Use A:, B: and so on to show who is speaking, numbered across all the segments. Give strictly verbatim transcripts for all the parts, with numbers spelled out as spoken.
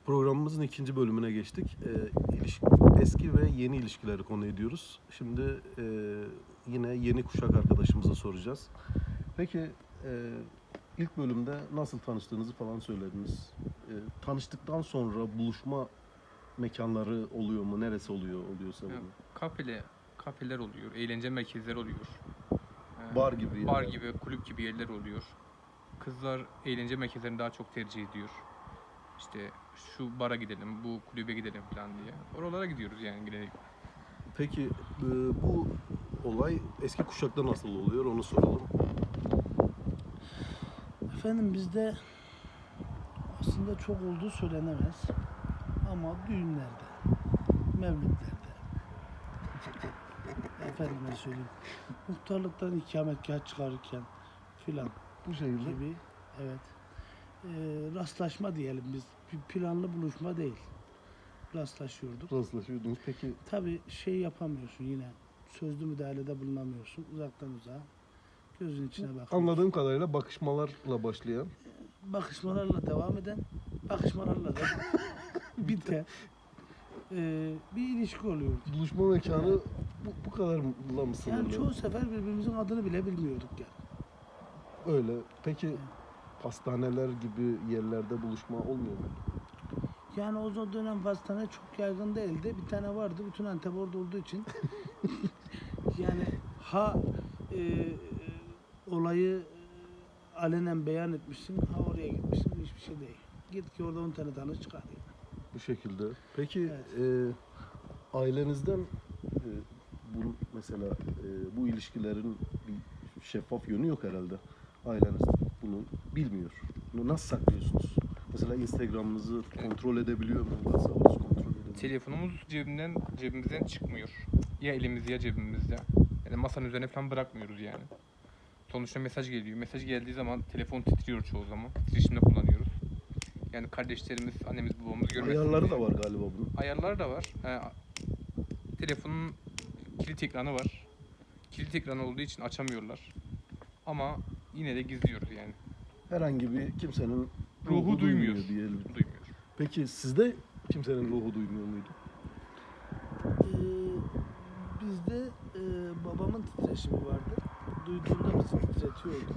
A: Programımızın ikinci bölümüne geçtik. Ee, ilişki, eski ve yeni ilişkileri konu ediyoruz. Şimdi e, yine yeni kuşak arkadaşımıza soracağız. Peki e, ilk bölümde nasıl tanıştığınızı falan söylediniz. E, tanıştıktan sonra buluşma mekanları oluyor mu? Neresi oluyor? Oluyorsa
B: Ya,
A: bunu.
B: kafele, kafeler oluyor, eğlence merkezleri oluyor. Ee,
A: Bar gibi
B: Bar
A: yerler.
B: gibi, kulüp gibi yerler oluyor. Kızlar eğlence merkezlerini daha çok tercih ediyor. İşte şu bara gidelim, bu kulübe gidelim falan diye. Oralara gidiyoruz yani genellikle.
A: Peki e, bu olay eski kuşakta nasıl oluyor? Onu soralım.
C: Efendim bizde aslında çok olduğu söylenemez ama düğünlerde, mevlütlerde, efendime söyleyeyim, muhtarlıktan ikametgah çıkarırken filan
A: Bu şehirde
C: gibi, evet, e, rastlaşma diyelim biz, bir planlı buluşma değil, rastlaşıyorduk.
A: rastlaşıyordunuz. Peki
C: Tabii şey yapamıyorsun yine, sözlü müdahalede bulunamıyorsun, uzaktan uzağa, gözün içine bakıyorsun.
A: anladığım kadarıyla bakışmalarla başlayan
C: Bakışmalarla devam eden, bakışmalarla da biten e, bir ilişki oluyor.
A: buluşma mekanı bu, bu kadar mı
C: Yani
A: sınırlı?
C: çoğu sefer birbirimizin adını bile bilmiyorduk yani.
A: Öyle. Peki pastaneler gibi yerlerde buluşma olmuyor mu?
C: Yani o dönem pastane çok yaygın değildi. Bir tane vardı. Bütün Antep orada olduğu için. Yani ha e, e, olayı e, alenen beyan etmişsin, ha oraya gitmişsin. Hiçbir şey değil. Git ki orada on tane tanış çıkar yani.
A: Bu şekilde. Peki
C: Evet.
A: e, ailenizden e, bu mesela e, bu ilişkilerin bir şeffaf yönü yok herhalde. Aileniz bunu bilmiyor. Bunu nasıl saklıyorsunuz? Mesela Instagram'ınızı kontrol edebiliyor mu? WhatsApp'ınızı kontrol edebiliyor mu?
B: Telefonumuz cebimden, cebimizden çıkmıyor. Ya elimizde ya cebimizde. Yani masanın üzerine falan bırakmıyoruz yani. Sonuçta mesaj geliyor. Mesaj geldiği zaman telefon titriyor çoğu zaman. Titreşimde kullanıyoruz. Yani kardeşlerimiz, annemiz, babamız görmesin
A: Ayarları
B: diye.
A: da var galiba bunun.
B: Ayarları da var. Ee, telefonun kilit ekranı var. Kilit ekranı olduğu için açamıyorlar. Ama yine de gizliyoruz yani.
A: Herhangi bir kimsenin
B: Ruhu duymuyor.
A: diyelim.
B: Duymuyor.
A: Peki sizde kimsenin ruhu duymuyor muydu?
C: Ee, bizde e, babamın titreşimi vardı. Duyduğunda bizi titretiyordu.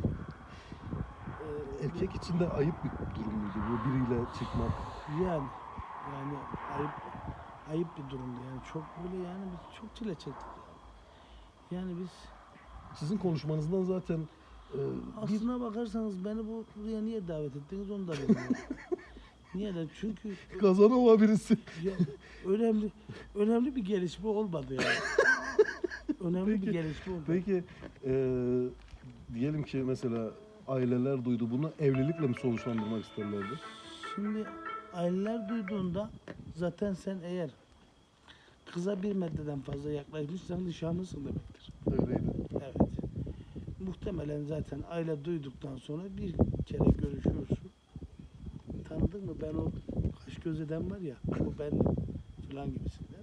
C: Ee,
A: Erkek için de ayıp bir durum muydu bu biriyle çıkmak?
C: Yani yani ayıp ayıp bir durumdu yani çok böyle yani biz çok çile çektik. Yani biz
A: Sizin konuşmanızdan zaten e, bir
C: aslına bakarsanız beni bu buraya niye davet ettiniz onu da bilmiyorum. Niye de çünkü
A: Kazanova birisi.
C: ya, önemli önemli bir gelişme olmadı yani. Önemli
A: Peki,
C: bir gelişme olmadı.
A: Peki e, diyelim ki mesela aileler duydu bunu, evlilikle mi sonuçlandırmak isterlerdi?
C: Şimdi aileler duyduğunda zaten sen eğer kıza bir metreden fazla yaklaşmışsan nişanlısın demektir.
A: Öyleydi.
C: Evet. Muhtemelen zaten aile duyduktan sonra bir kere görüşüyorsun. Tanıdın mı ben o kaş göz eden var ya o ben falan gibisinden.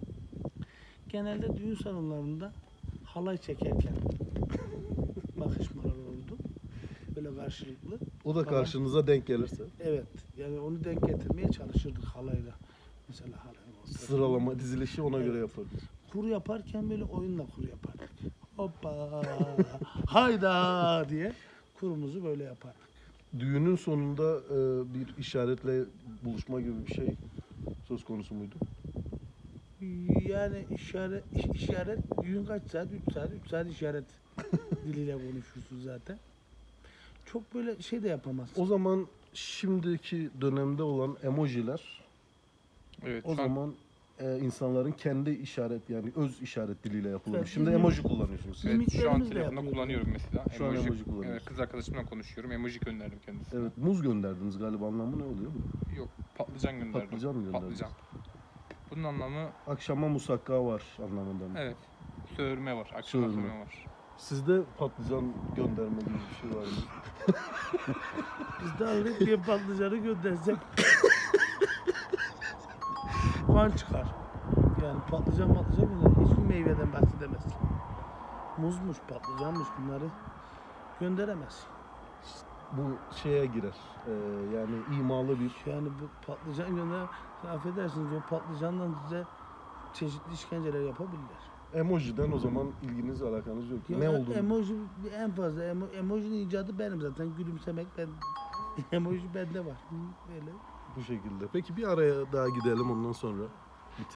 C: Genelde düğün salonlarında halay çekerken bakışmalar oldu. Böyle karşılıklı.
A: O da
C: Baba-
A: karşınıza denk gelirse.
C: Evet. Yani onu denk getirmeye çalışırdık halayla. Mesela halay olsa.
A: Sıralama, dizilişi ona
C: Evet.
A: göre yaparız.
C: Kur yaparken böyle oyunla kur yapardık. Hoppa hayda diye kurumuzu böyle yapardık.
A: Düğünün sonunda e, bir işaretle buluşma gibi bir şey söz konusu muydu?
C: Yani işaret işaret düğün kaç saat? üç saat. üç saat işaret diliyle konuşursun zaten. Çok böyle şey de yapamazsın.
A: O zaman şimdiki dönemde olan emojiler
B: Evet.
A: o
B: şu an-
A: zaman e, insanların kendi işaret yani öz işaret diliyle yapılıyor.
C: Evet,
A: Şimdi
C: mimik-
A: emoji kullanıyorsunuz. siz.
B: Evet, şu an
C: Mimiklerimizle
B: telefonda
C: yapıyoruz.
B: kullanıyorum mesela.
A: Şu an emoji kullanıyorsun.
B: Evet, kız arkadaşımla konuşuyorum. Emoji gönderdim kendisine.
A: Evet, muz gönderdiniz galiba, anlamı ne oluyor bu?
B: Yok, patlıcan gönderdim.
A: Patlıcan mı gönderdiniz?
B: Patlıcan. Bunun anlamı
A: Akşama musakka var anlamında mı?
B: evet. Söğürme var. Akşama
A: Söğürme.
B: söğürme var.
A: Sizde patlıcan gönderme gibi bir şey var mı?
C: Biz de alıp bir patlıcanı göndersek puan çıkar. Yani patlıcan patlıcan bunlar hiçbir meyveden bahsedemezsin. Muzmuş, patlıcanmış bunları gönderemezsin.
A: bu şeye girer. Ee, yani imalı bir
C: Yani bu patlıcan gönder, affedersiniz diyor, patlıcandan size çeşitli işkenceler yapabilirler.
A: emojiden o zaman ilginiz alakanız yok.
C: Ya
A: ne
C: e-
A: oldu?
C: Emoji en fazla emo, emojinin icadı benim zaten, gülümsemek ben emoji bende var. Hı, Böyle.
A: Bu şekilde. Peki bir araya daha gidelim ondan sonra.